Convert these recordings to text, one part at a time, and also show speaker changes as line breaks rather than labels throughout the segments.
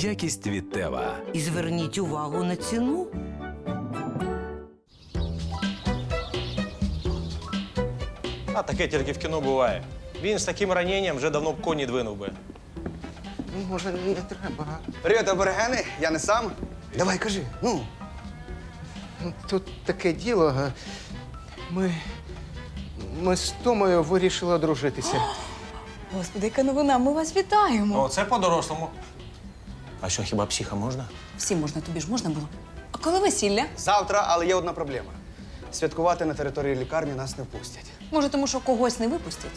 Якість від Тева.
І зверніть увагу на ціну.
А таке тільки в кіно буває. Він з таким раненням вже давно б коні двинув би.
Може, не треба.
Привіт, аборигени, я не сам. Давай, кажи, ну.
Тут таке діло. Ми з Томою вирішили одружитися.
Господи, яка новина, ми вас вітаємо.
О, це по-дорослому. А що, хіба психа можна?
Всім можна, тобі ж можна було. А коли весілля?
Завтра, але є одна проблема. Святкувати на території лікарні нас не впустять.
Може, тому що когось не випустять?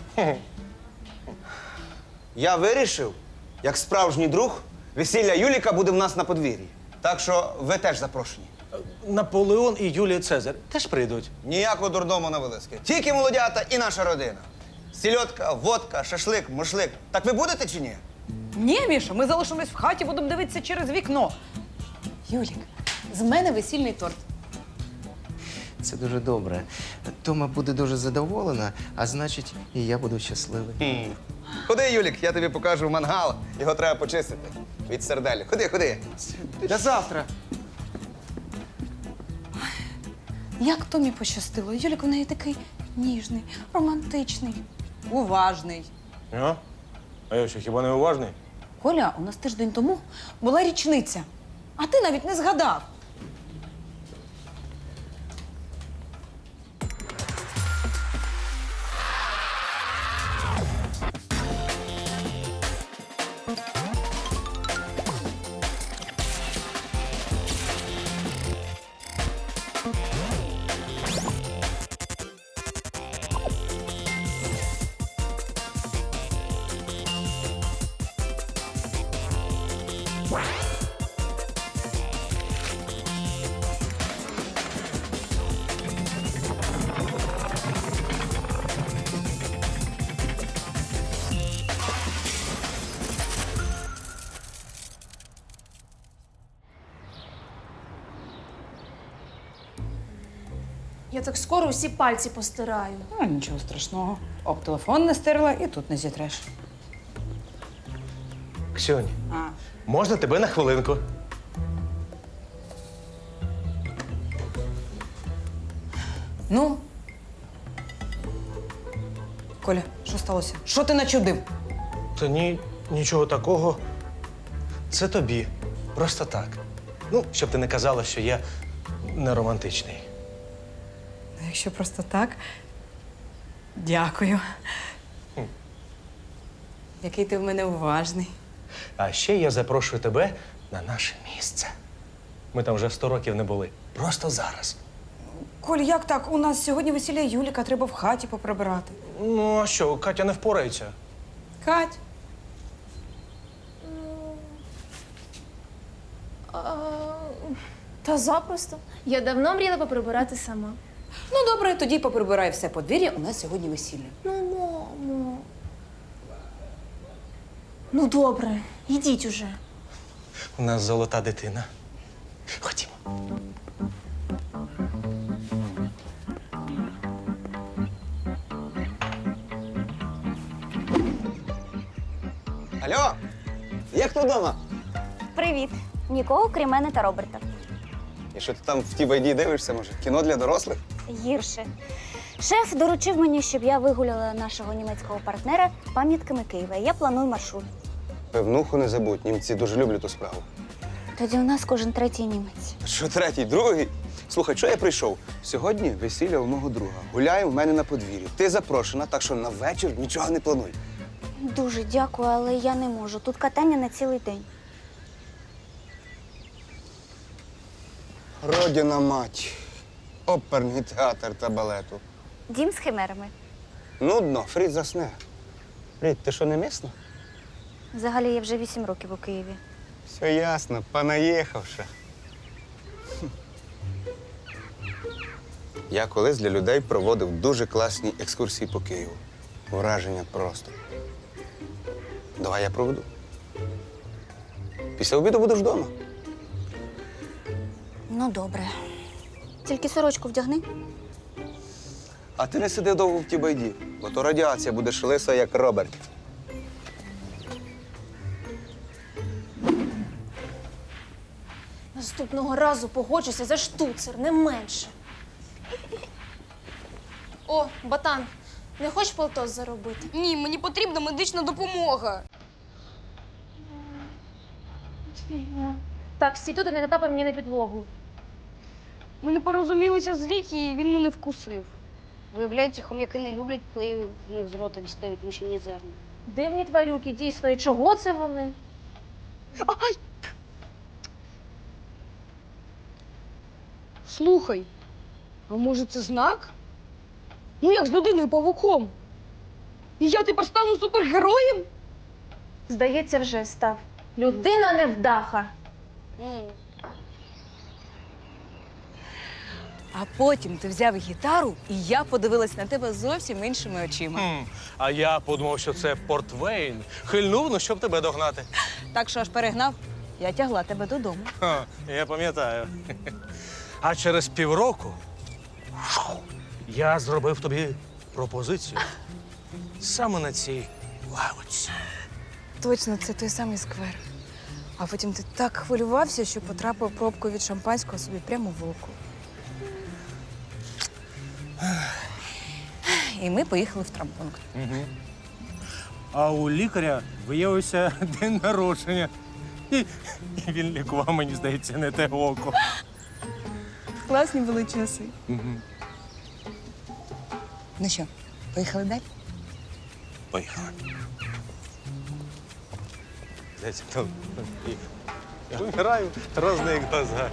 Я вирішив, як справжній друг, весілля Юліка буде в нас на подвір'ї. Так що ви теж запрошені.
Наполеон і Юлій Цезар теж прийдуть.
Ніякого дурдому на вилазки. Тільки молодята і наша родина. Сільотка, водка, шашлик, мушлик. Так ви будете чи ні?
Ні, Міша, ми залишимось в хаті, будемо дивитися через вікно. Юлік, з мене весільний торт.
Це дуже добре. Тома буде дуже задоволена, а значить, і я буду щасливий.
Ходи, Юлік, я тобі покажу мангал. Його треба почистити від серделі. Ходи, ходи.
До завтра.
Як Томі пощастило. Юлік у неї такий ніжний, романтичний, уважний.
А я що, хіба не уважний?
Коля, у нас тиждень тому була річниця, а ти навіть не згадав.
Я так скоро усі пальці постираю.
А, нічого страшного. Об телефон не стерла і тут не зітреш.
Ксюнь,
А.
можна тебе на хвилинку?
Ну? Коля, що сталося? Що ти начудив?
Та ні, нічого такого. Це тобі. Просто так. Ну, щоб ти не казала, що я не романтичний.
Ну, якщо просто так, дякую. Який ти в мене уважний.
А ще я запрошую тебе на наше місце. Ми там вже 100 років не були. Просто зараз.
Коль, як так? У нас сьогодні весілля Юліка, треба в хаті поприбирати.
Ну, а що, Катя не впорається?
Кать,
Та запросто. Я давно мріяла поприбирати сама.
ну добре, тоді поприбирай все подвір'я, у нас сьогодні весілля.
Ну, мамо. Ну, добре, йдіть уже.
У нас золота дитина. Ходімо.
Алло, є хто вдома?
Привіт. Нікого, крім мене та Роберта.
І що ти там в тій байді дивишся, може? Кіно для дорослих?
Гірше. Шеф доручив мені, щоб я вигуляла нашого німецького партнера пам'ятками Києва. Я планую маршрут.
Певнуху не забудь, німці дуже люблять ту справу.
Тоді у нас кожен третій німець.
Що третій, другий? Слухай, що я прийшов? Сьогодні весілля у мого друга. Гуляє в мене на подвір'ї. Ти запрошена, так що на вечір нічого не плануй.
Дуже дякую, але я не можу. Тут катання на цілий день.
Родина мать. Оперний театр та балету.
Дім з химерами.
Нудно, Фрід засне. Фрід, ти що, не місна?
Взагалі, я вже 8 років у Києві.
Все ясно, понаїхавши. Я колись для людей проводив дуже класні екскурсії по Києву. Враження просто. Давай я проведу. Після обіду будеш вдома.
Ну, добре. Тільки сорочку вдягни.
А ти не сиди довго в тій байді, бо то радіація будеш лиса, як Роберт.
Наступного разу погоджуся за штуцер, не менше. О, Ботан, не хочеш полтос заробити?
Ні, мені потрібна медична допомога.
Так, стій тут і не натапай мені на підлогу.
Ми не порозумілися з Рікі, і він мене вкусив. Виявляється, хом'яки не люблять, коли в них з рота дістають мишині зерна.
Дивні тварюки, дійсно, і чого це вони?
Ай! Слухай, а може це знак? Ну як з людиною павуком? І я тепер стану супергероєм?
Здається, вже став. Людина невдаха.
А потім ти взяв гітару, і я подивилась на тебе зовсім іншими очима.
А я подумав, що це Портвейн. Хильнув, ну щоб тебе догнати.
Так що аж перегнав, я тягла тебе додому.
Ха, я пам'ятаю. А через півроку я зробив тобі пропозицію саме на цій лавочці.
Точно, це той самий сквер. А потім ти так хвилювався, що потрапив пробкою від шампанського собі прямо в око. І ми поїхали в травмпункт.
А у лікаря виявився день народження. І він лікував, мені здається, не те око.
Класні були часи. Ну що, поїхали далі?
Поїхали. Здається, там я вмираю, розні глаза.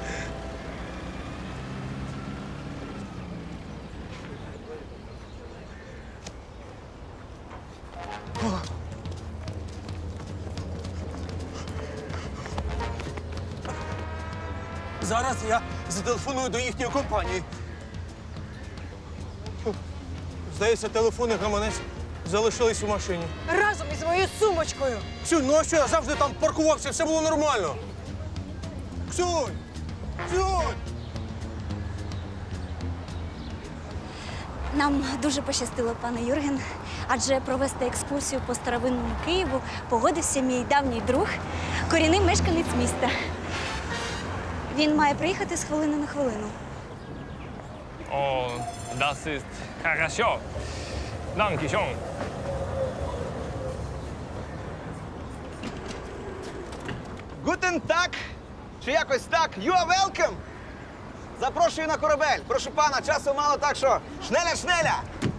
Зараз я зателефоную до їхньої компанії. Здається, телефон і гаманець залишились у машині.
Разом із моєю сумочкою.
Ксюнь, ну а що? Я завжди там паркувався, все було нормально. Ксюнь! Ксюнь!
Нам дуже пощастило, пане Юрген, адже провести екскурсію по старовинному Києву погодився мій давній друг, корінний мешканець міста. Він має приїхати з хвилини на хвилину.
Oh, das ist хорошо. Danke schön.
Гутен так! Чи якось так? You are welcome! Запрошую на корабель. Прошу пана, часу мало, так що шнеля!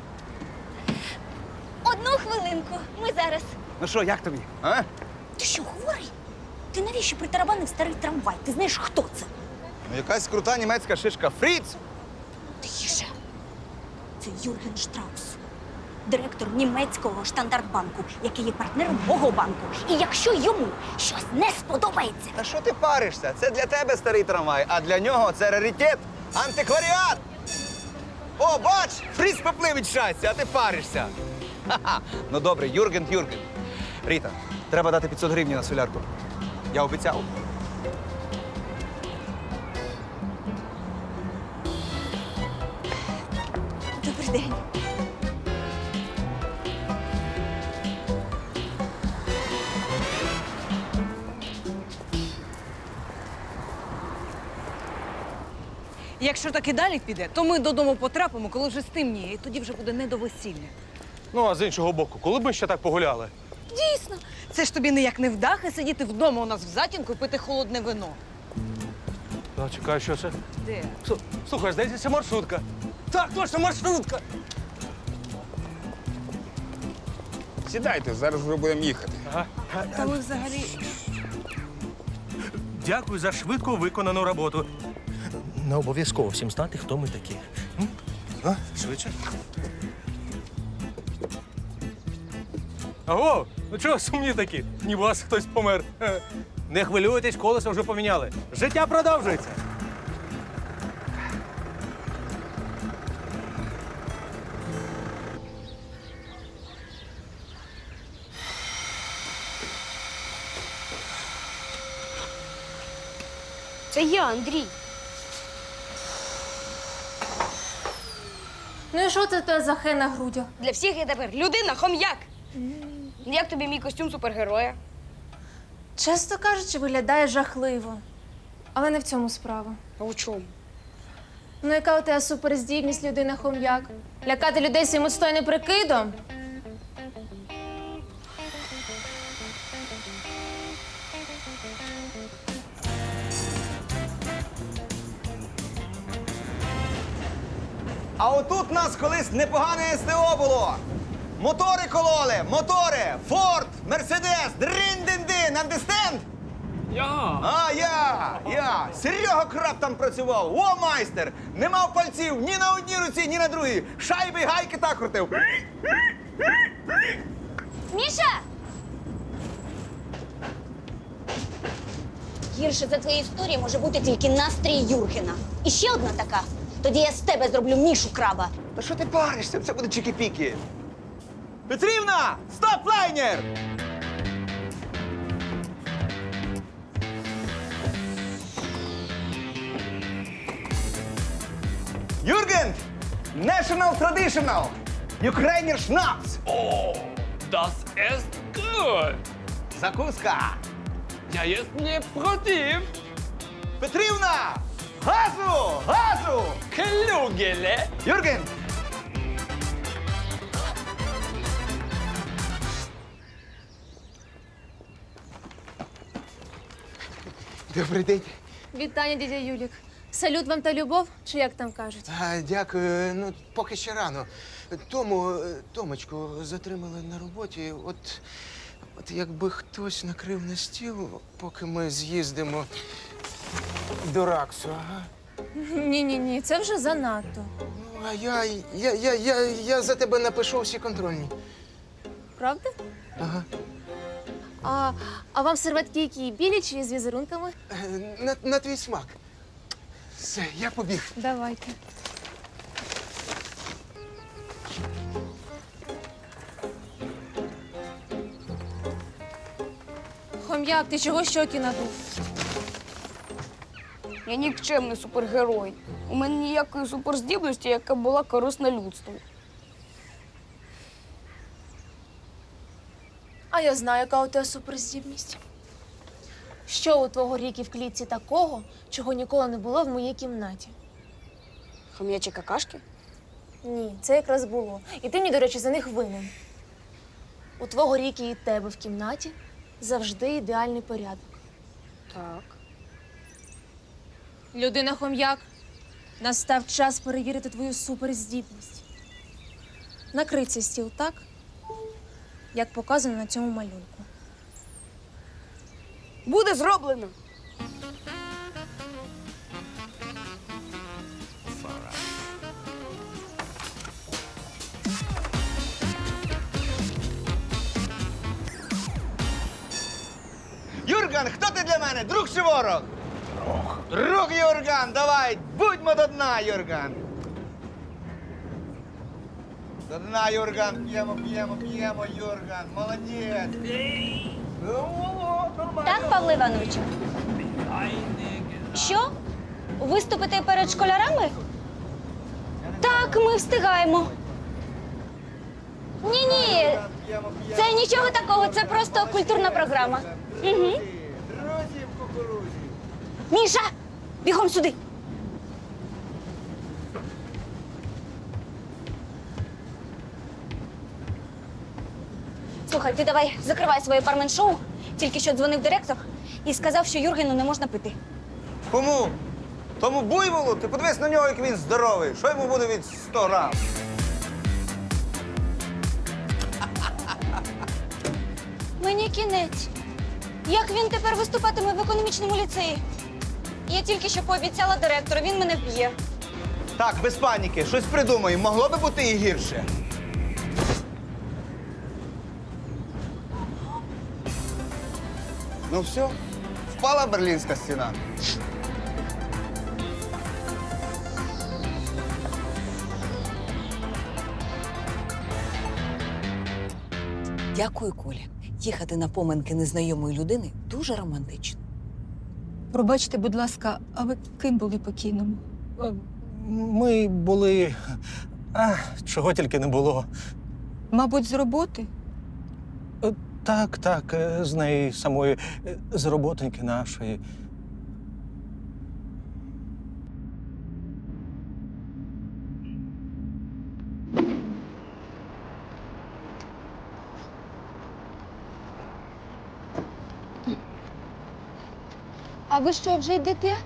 Одну хвилинку, ми зараз.
Ну що, як тобі? А?
Ти що, хворий? Ти навіщо притарабанив старий трамвай? Ти знаєш, хто це?
Ну, якась крута німецька шишка. Фріц!
Тише. Це Юрген Штраус, директор німецького штандартбанку, який є партнером мого банку. І якщо йому щось не сподобається,
Та що ти паришся? Це для тебе старий трамвай, а для нього це раритет, антикваріат. О, бач, Фріц поплив від щастя, а ти паришся. Ха-ха. Ну добре, Юрген. Ріта, треба дати 500 гривень на солярку. Я обіцяв.
добрий день.
Якщо так і далі піде, то ми додому потрапимо, коли вже стемніє, і тоді вже буде не до весілля.
Ну, а з іншого боку, коли б ми ще так погуляли?
Дійсно, це ж тобі ніяк не вдахи сидіти вдома у нас в затінку і пити холодне вино.
Ну, чекай, що це?
Де?
Слухай, здається, це маршрутка. Так, точно, маршрутка.
Сідайте, зараз вже будемо їхати.
Та ми взагалі.
Дякую за швидко виконану роботу. Не обов'язково всім знати, хто ми такі. Швидше. Аго, ну чого сумні такі? Ніби у вас хтось помер. Не хвилюйтесь, колесо вже поміняли. Життя продовжується.
Це я, Андрій.
Ну і що це те за хе на грудях?
Для всіх я тепер людина, хом'як. Як тобі мій костюм супергероя?
Чесно кажучи, виглядає жахливо. Але не в цьому справа.
А у чому?
Ну, яка у тебе суперздібність, людина хом'як? Лякати людей своїм отстойним прикидом?
А отут нас колись непогане СТО було. Мотори кололи, мотори, Форд, Мерседес, дрин-дин-дин, understand?
Ja!
А, я. Серега Краб там працював. О, майстер! Не мав пальців ні на одній руці, ні на другій. Шайби й гайки так крутив.
Міша! Гірше за твої історії може бути тільки настрій Юргена. І ще одна така. Тоді я з тебе зроблю Мішу Краба.
Та що ти паришся? Це буде чики-піки. Петрівна! Стоп, лайнер! Юрген! National Traditional! Ukrainian Schnaps!
Oh, das ist gut!
Закуска!
Ja, jest nie против!
Петрівна! Газу! Газу!
Klugele!
Юрген!
Добрий день.
Вітання, дядя Юлік. Салют вам та любов, чи як там кажуть?
Дякую. Ну, поки ще рано. Томочку затримали на роботі. От якби хтось накрив на стіл, поки ми з'їздимо до Раксу, ага.
Ні, це вже занадто.
Ну, а я за тебе напишу всі контрольні.
Правда?
Ага.
А вам серветки які білі чи з візерунками?
На твій смак. Все, я побіг.
Давайте. Хом'як, ти чого щоки надув?
Я нікчемний супергерой. У мене ніякої суперздібності, яка була корисна людству.
А я знаю, яка у тебе суперздібність. Що у твого Рікі в клітці такого, чого ніколи не було в моїй кімнаті?
Хом'ячі какашки?
Ні, це якраз було. І ти мені, до речі, за них винен. У твого Рікі і тебе в кімнаті завжди ідеальний порядок.
Так.
Людина хом'як, настав час перевірити твою суперздібність. Накрий цей стіл так, як показано на цьому малюнку.
Буде зроблено.
Юрган, хто ти для мене? Друг чи ворог? Друг, Юрган, давай, будьмо до дна, Юрган. До дна, Юрган, п'ємо, Юрган, молодець.
Так, Павло Івановичу? Що? Виступити перед школярами? Так, ми встигаємо. Ні, це нічого такого, це просто культурна програма. Угу.
Друзі в кукурузі.
Міша, бігом сюди. Слухай, ти давай закривай своє бармен-шоу. Тільки що дзвонив директор і сказав, що Юргену не можна пити.
Кому? Тому буйволу? Ти подивись на нього, як він здоровий. Що йому буде від 100 грам?
Мені кінець. Як він тепер виступатиме в економічному ліцеї? Я тільки що пообіцяла директору, він мене вб'є.
Так, без паніки, щось придумай. Могло би бути і гірше. Ну все, впала Берлінська стіна.
Дякую, Коля. Їхати на поминки незнайомої людини дуже романтично.
Пробачте, будь ласка, а ви ким були покійному?
Ми були. Чого тільки не було.
Мабуть, з роботи?
Так, з неї самої, з роботоньки нашої.
А ви що, вже йдете?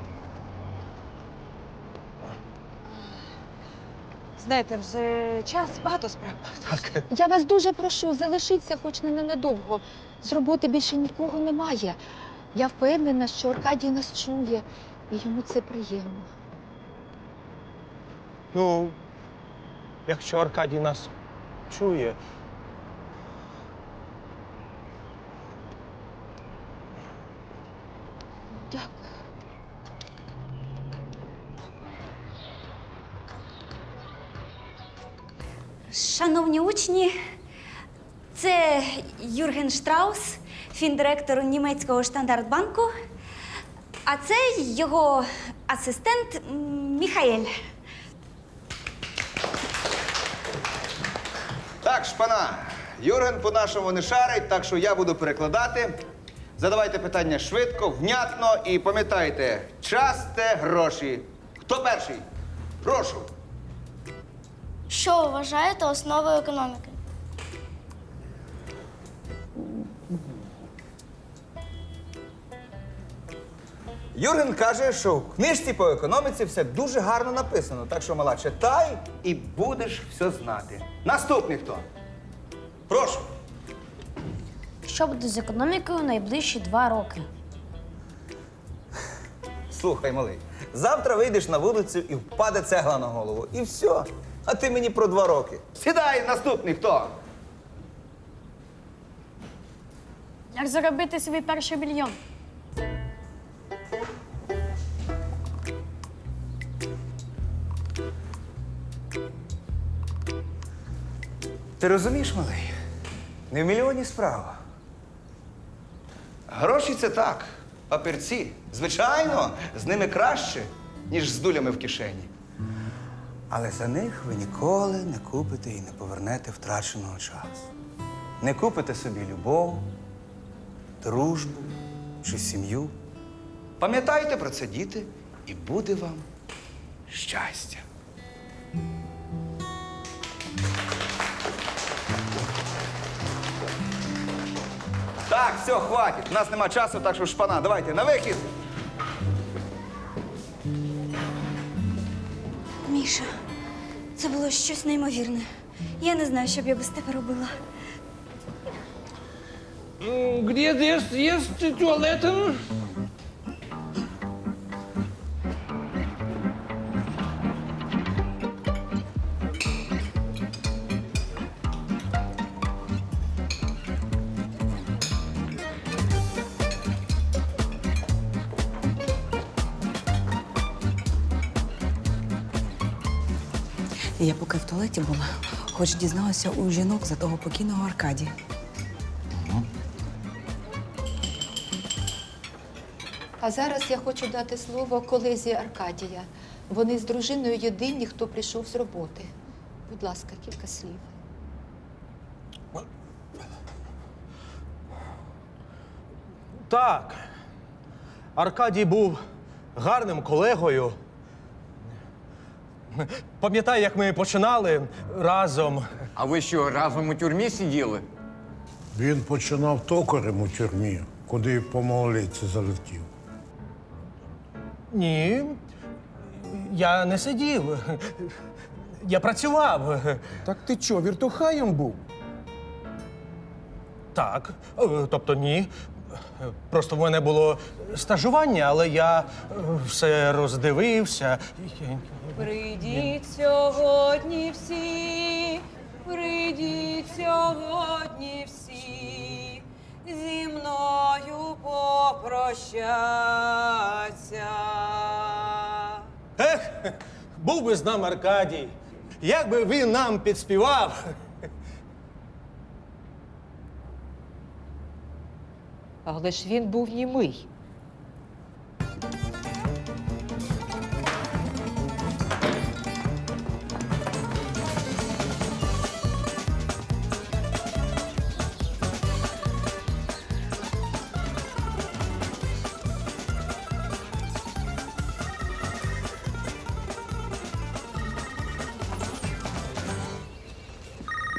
Знаєте, вже час, багато справ.
Так.
Я вас дуже прошу, залишіться хоч на ненадовго. З роботи більше нікого немає. Я впевнена, що Аркадій нас чує, і йому це приємно.
Ну, якщо Аркадій нас чує.
Дякую.
Шановні учні, це Юрген Штраус, фіндиректор німецького Штандартбанку, а це його асистент Міхаель.
Так, шпана. Юрген по-нашому не шарить, так що я буду перекладати. Задавайте питання швидко, внятно і пам'ятайте, час – це гроші. Хто перший? Прошу.
Що вважаєте основою економіки?
Юрген каже, що в книжці по економіці все дуже гарно написано. Так що, мала, читай і будеш все знати. Наступний хто? Прошу.
Що буде з економікою найближчі 2 роки?
Слухай, малий, завтра вийдеш на вулицю і впаде цегла на голову. І все. А ти мені про 2 роки. Сідай, наступний хто?
Як заробити свій перший мільйон?
Ти розумієш, малий? Не в мільйоні справа. Гроші це так. Папірці. Звичайно, з ними краще, ніж з дулями в кишені. Але за них ви ніколи не купите і не повернете втраченого часу. Не купите собі любов, дружбу чи сім'ю. Пам'ятайте про це, діти, і буде вам щастя. Так, все, хватить. У нас нема часу, так що шпана. Давайте, на вихід.
Міша, це було щось неймовірне. Я не знаю, що б я без тебе робила.
Где здесь есть туалеты?
Я поки в туалеті була, хоч дізналася у жінок за того покійного Аркадія.
А зараз я хочу дати слово колезі Аркадія. Вони з дружиною єдині, хто прийшов з роботи. Будь ласка, кілька слів.
Так. Аркадій був гарним колегою. Пам'ятаю, як ми починали разом.
А ви що, разом у тюрмі сиділи?
Він починав токарем у тюрмі, куди по малолітці залетів.
Ні. Я не сидів. Я працював.
Так ти чо, віртухаєм був?
Так. Тобто ні. Просто в мене було стажування, але я все роздивився.
Прийдіть сьогодні всі, прийдіть сьогодні всі, зі мною попрощаться.
Ех, був би з нами Аркадій. Як би він нам підспівав.
Але ж він був німий.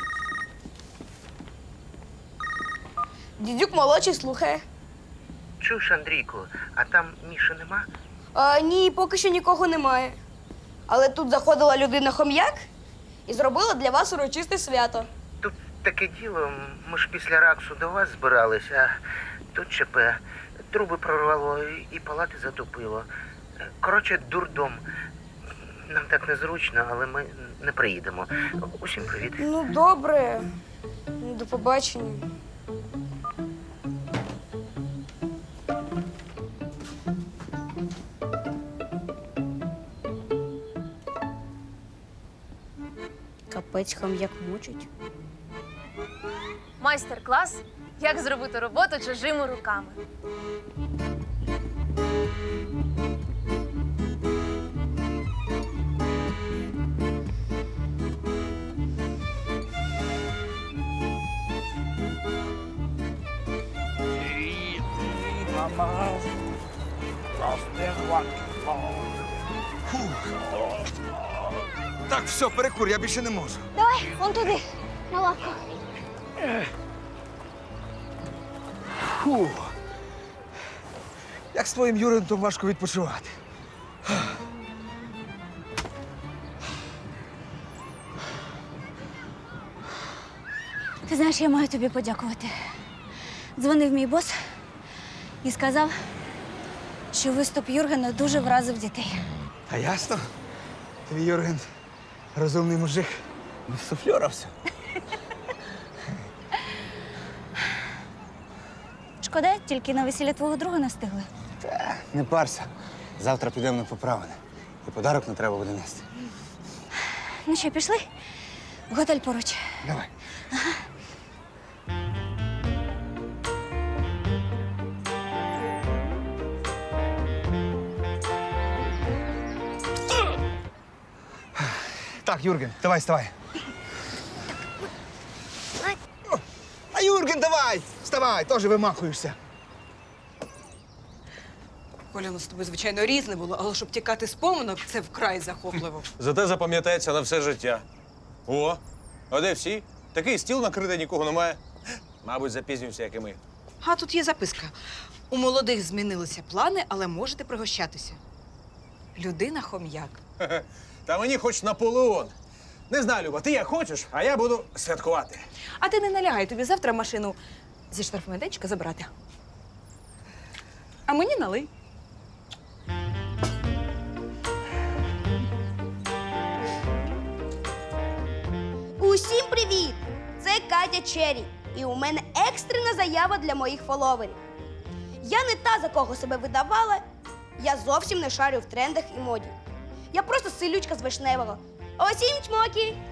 Дідюк молодший слухає.
Чуєш, Андрійку, а там Міші нема?
Ні, поки що нікого немає. Але тут заходила людина-хом'як і зробила для вас урочисте свято.
Тут таке діло, ми ж після раксу до вас збирались, а тут ЧП. Труби прорвало і палати затопило. Коротше, дурдом. Нам так незручно, але ми не приїдемо. Усім привіт.
Ну, добре. До побачення. Капець, хом'як мучить.
Майстер-клас, як зробити роботу чужими руками.
Так, все, перекур, я більше не можу.
Давай, вон туди, на лавку.
Фу. Як з твоїм Юрентом важко відпочивати.
Ти знаєш, я маю тобі подякувати. Дзвонив мій бос і сказав, що виступ Юргена дуже вразив дітей.
А ясно? Твій Юрген розумний мужик. Не суфльорався.
Шкода, тільки на весілля твого друга не встигли.
Не парся. Завтра підемо на поправини. І подарок не треба буде нести.
Ну що, пішли? Готель поруч.
Давай. Так, Юрген, давай, вставай. А Юрген, давай! Вставай, теж вимахуєшся.
Коля, ну з тобою, звичайно, різне було, але щоб тікати з поминок, це вкрай захопливо.
Зате запам'ятається на все життя. О, а де всі? Такий стіл накритий, нікого немає. Мабуть, запізнюємося, як і ми.
А тут є записка. У молодих змінилися плани, але можете пригощатися. Людина хом'як.
Хе-хе. Та мені хоч Наполеон. Не знаю, Люба, ти як хочеш, а я буду святкувати.
А ти не налягай, тобі завтра машину зі штрафмайданчика забрати. А мені налий.
Усім привіт! Це Катя Черрі. І у мене екстрена заява для моїх фоловерів. Я не та, за кого себе видавала. Я зовсім не шарю в трендах і моді. Я просто селючка з Вишневого. Усім чмоки!